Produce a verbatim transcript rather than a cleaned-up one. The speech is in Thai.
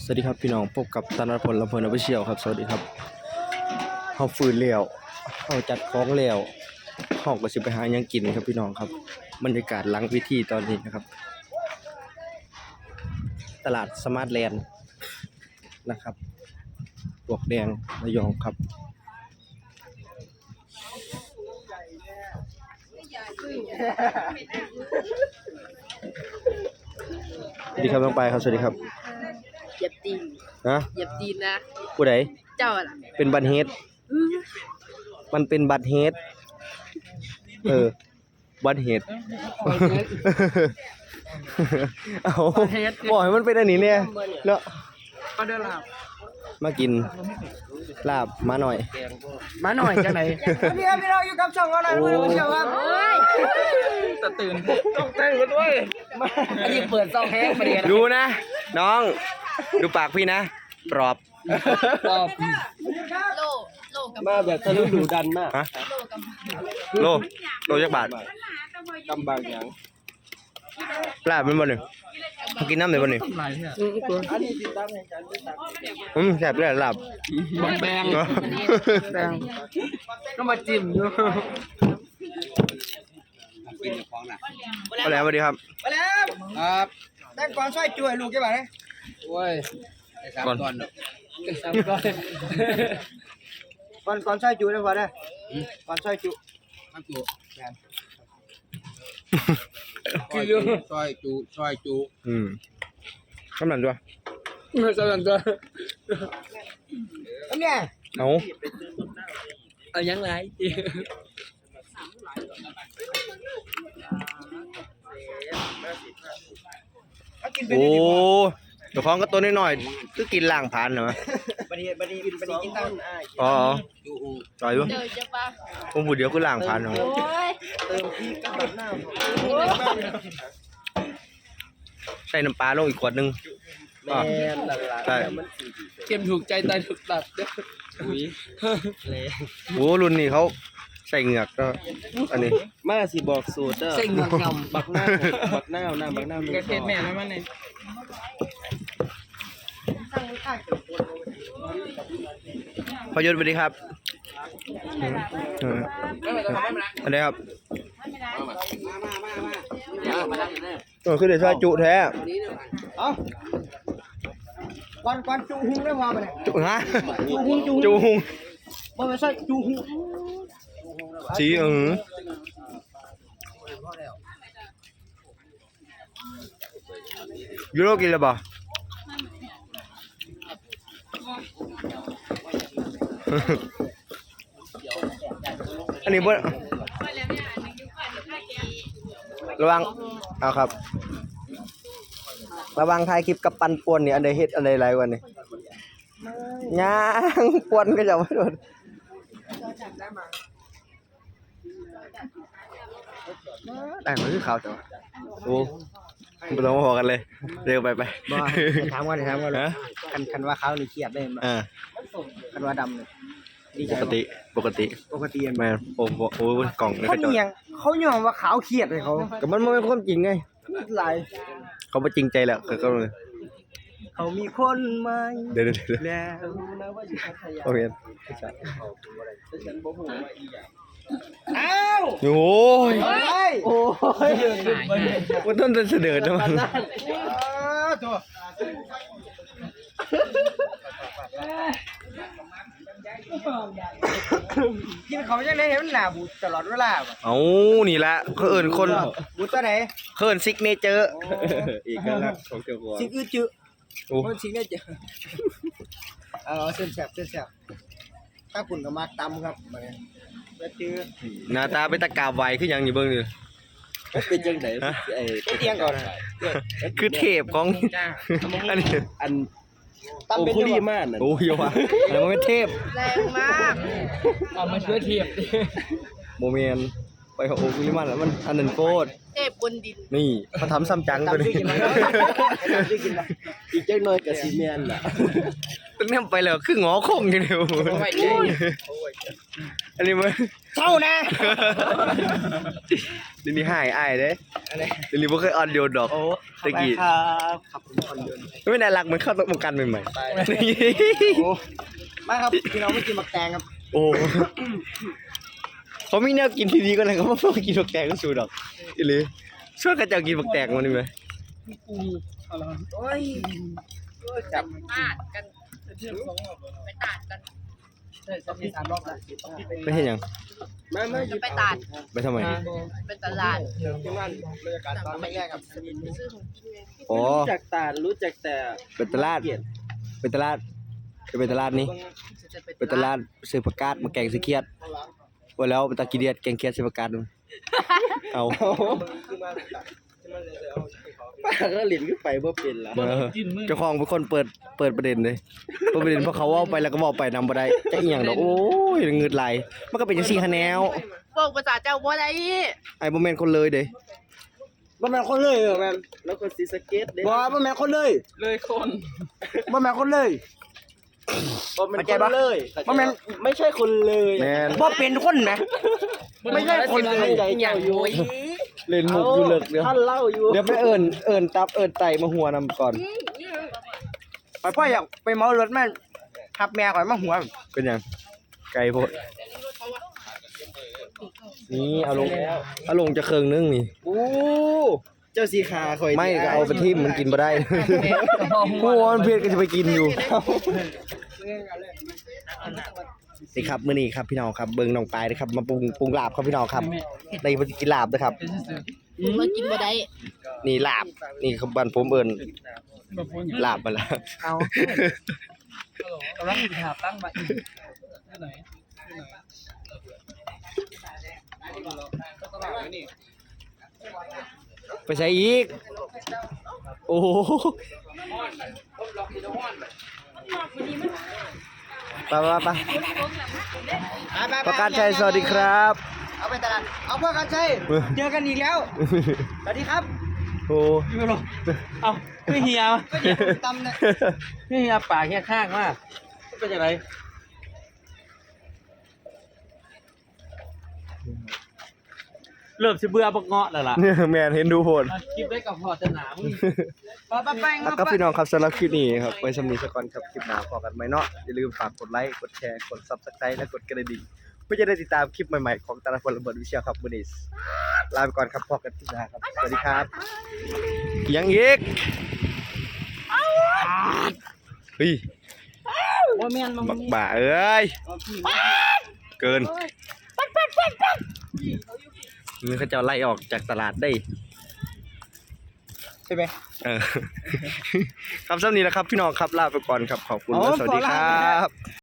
วัสดีครับพี่น้องพบกับธนพลลำเพลินออฟฟิเชียลครับสวัสดีครับเฮาฟื้นแล้วเฮาจัดของแล้วเฮาก็สิไปหาหยังกินครับพี่น้องครับบรรยากาศหลังพิธีตอนนี้นะครับตลาดสมาร์ทแลนด์นะครับปลวกแดงระยองครับสวัสดีครับน้องปายครับสวัสดีครับเหยียบตีนนะเหยียบตีนนะผู้ใดเจ้าล่ะเป็นบัตรเฮดมันเป็นบัตรเฮดเออบัตรเฮดเอาบอกให้มันเป็นอันนี้เนี่ยเนาะมาเดินลาบมากินลาบมาหน่อยมาหน่อยจังไหนพี่ครับพี่เราอยู่กับช่องเราหน่อยมาดูเชียวครับตะตื่นต้องเต้นกันด้วยอันนี้เปิดซองแห้งมาดีนะดูนะน้องดูปากพี่นะปลอบปลอบโลโลกับมาแบบทะลุดูดันมากโลกับโลโลจักบาทกำบางอย่างลาบเป็นบ่หนึ่งกินน้ำเลยบ่หนึ่งอันนี้ติดตามในการติดตามอืมแซ่บเลยลาบแบงแบงก็มาจิ้มอยู่กินกับของน่ะมาแล้วสวัสดีครับมาแล้วครับแต่ก่อนช่วยช่วยลูกแกบ่าเนี่ยโอ้ยก่อนก่อนก่อนก่อนช่วยจุได้บ่ได้ก่อนช่วยจุมันจุคือช่วยจุช่วยจุอืมกำลังด้วยไม่กำลังด้วยเนี่ยเอาเอายังไงโอ้เดี๋ยวของก็ตัวน้อยๆคือกินล่างผ่านเหรอบัดนี้บัดนี้บัดนี้กินตั้งอ๋อจ่อยอยู่ผมพูดเดี๋ยวคือล่างผ่านเหรอเติมพริกกับแบบหน้าใส่น้ำปลาลงอีกขวดนึงแม่นหลักๆใช่เกมถูกใจตายถูกตัดเด้ออุ้ยโอ้รุ่นนี้เขาใส่เหงือกก็อันนี้มาสิบอกสูตรเด้อใส่เหงือกงำบักหน้าบักหน้าหน้าบักหน้ามีกระเทียมแม่แล้วมันนี่พยศสวัสดีครับอันนี้ครับตัวคือเดี๋ยวช่วยจุแท้เอ้าก่อนก่อนจุหุงได้พอป่ะเนี่ยจุฮะจุหุงจุจุหุงบ่ไม่ใช่จุหุงสีเออยูโรกินแล้วป่ะอันนี้บ่ระวังเอาครับระวังถ่ายคลิปกับปันป่วนนี่อันใดเฮ็ดอันใดหลายกว่านี่ย่างป่วนก็จะบ่โดนได้มันคือขาวจ้ะโอ้บ่ต้องมาพอกันเลยเร็วไปไปบ่ถามก่อนถามก่อนคันคันว่าเขานี่เครียดได้บ่อ่าคันว่าดำนี่ดีใจปกติปกติปกติแม่โอ้โหกล่องเขาเนี่ยเขายอมว่าขาวเครียดให้เขาก็มันบ่เป็นความจริงไงหลายเขาบ่จริงใจแล้วเขาก็เลยเขามีคนใหม่เดี๋ยวๆแล้วนะว่าอยู่พัทยาโอเคฉันบ่ฮู้ว่าอีหยังอ้าวโอ้ยโอ้ยว่าต้นจะเสด็จนะมันกินเขาจังได๋เห็นหน้าบูดตลอดเวลาบ่เอ้านี่แหละเขาเอิ้นคนบูดตัวไหนเขาเอิ้นซิกเนเจอร์อีกแล้วของเจ้าของซิกอือจื้อโอ้ซิกเนเจอร์เอาเส้นแซ่บเส้นแซ่บถ้าคุณก็มาตำครับบัดนี้แล้วจื้อหน้าตาเป็นตะกาบไวคือหยังอยู่เบิ่งนี่เป็นจังได๋ไอ้เตียงก่อนคือเทพของอันนี้อันตำเป็นดีมากน่ะโอ้ยว่ะอันนั้นมันเป็นเทพแรงมากเอามาช่วยเทียบโมเมนต์ไปของโอคุลิมันแล้วมันอันนั้นโคตรเทพบนดินนี่เขาทำซ้ำจังตัวนี้อีกจังน้อยก็สิแม่นล่ะตั้งแต่ไปแล้วคืองอคงอยู่เดียวอันนี้มันเท่านะเดี๋ยวนี้หายอายเด้เดี๋ยวนี้บ่เคยออนโยนดอกโอ้ตะกี้ครับขับผมคนเดินไม่น่ารักเหมือนเข้าตกวงการใหม่ไปๆโอ้มาครับพี่น้องไม่กินหมักแตงครับโอ้เขามีแนวกินที่ดีก็เลยเขาไม่กินบักแตงก็สูดอกอีหรือช่วยกันจะกินบักแตงมันนี่ไหมโอ้ยจับตาดกันไปตาดกันจะมีสามรอบแล้วไม่ใช่หยังไม่ไม่จะไปตาดไปทำไมเป็นตลาดที่บ้านบรรยากาศตอนแรกครับไปซื้อของกินไงอ๋อรู้จักแต่รู้จักแต่เป็นตลาดเป็นตลาดจะเป็นตลาดนี้จะเป็นตลาดซื้อผักกาดมาแกงซื้อเคียดว่าแล้วเป็นตะกี้เดียดแกงเคียดซื้อผักกาดดูเอาป้าก็หลินขึ้นไปเพื่อเป็นละเออเจ้าของเป็นคนเปิดเปิดประเด็นเลยเปิดประเด็นเพราะเขาเว่าไปแล้วก็บอกไปนำบ่ได้จะอีหยังดอกโอ้ยเงืดไหลมันก็เป็นจังซี่คะแนวพวกภาษาเจ้าบ่ได้ไอ้บ่แม่นคนเลยเด้บ่แม่นคนเลยเหรอแม่นแล้วก็ซีสเก็ตเด้บ่บ่แม่นคนเลยเลยคนบ่แม่นคนเลยบ่เป็นคนเลยบ่แม่นไม่ใช่คนเลยแม่นบ่เป็นคนนะไม่ใช่คนเลยใจเจ้าอยู่เล่นมุกอยู่เลิกเดี๋ยวท่านเล่าอยู่เดี๋ยวไปเอิ้นเอิ้นตับเอิ้นไตมาหัวนำก่อนไปพ่ออยากไปเมารถแม่ขับแม่ข่อยมาหัวเป็นหยังไก่โพดนี่เอาลงเอาลงจะเครื่องนึงนี่โอ้เจ้าสีขาข่อยไม่ก็เอาไปทิ่มมันกินบ่ได้หัวมันเพชรก็จะไปกินอยู่นี่ครับมื้อนี้ครับพี่น้องครับเบิ่งน้องปลายนะครับมาปรุงปรุงลาบครับพี่น้องครับในบ่สิกินลาบนะครับมากินบ่ได้นี่ลาบนี่คือบ้านผมเอิ้นลาบมาแล้วเอากำลังหาตั้งมาอีกไปใช้อีกโอ้โหไปไปไปประกาศชัยสวัสดีครับเอาไปตลาดเอาเพื่อกันใช่เจอกันอีกแล้วสวัสดีครับโอ้อยู่หรอเอ้าไม่เฮียก็เดี๋ยวตำเนี่ยไม่เฮียปากเฮียข้างมากเป็นยังไงเริ่มสิเบื่อบักเงาะแล้วล่ะเนี่ยแมนเห็นดูโหดคลิปได้กับพอจะหนามึงปะปะแป้งแล้วก็พี่น้องครับสำหรับคลิปนี้ครับไว้สำนีสักก่อนครับคลิปหน้าพอกันไหมเนาะอย่าลืมฝากกดไลค์กดแชร์กด Subscribe และกดกระดิ่งเพื่อจะได้ติดตามคลิปใหม่ๆของตาลพลระเบิดวิเชียรครับมื้อนี้ลาไปก่อนครับพอกันคลิปหน้าครับสวัสดีครับยังอีกเฮ้ยว่าแม่นมึงบักบ่าเอ้ยเกินนี่เขาจะเอาไล่ออกจากตลาดได้ใช่ไหมเออ ครับสำนี้แหละครับพี่น้องครับลาไปก่อนครับขอบคุณและสวัสดีครับ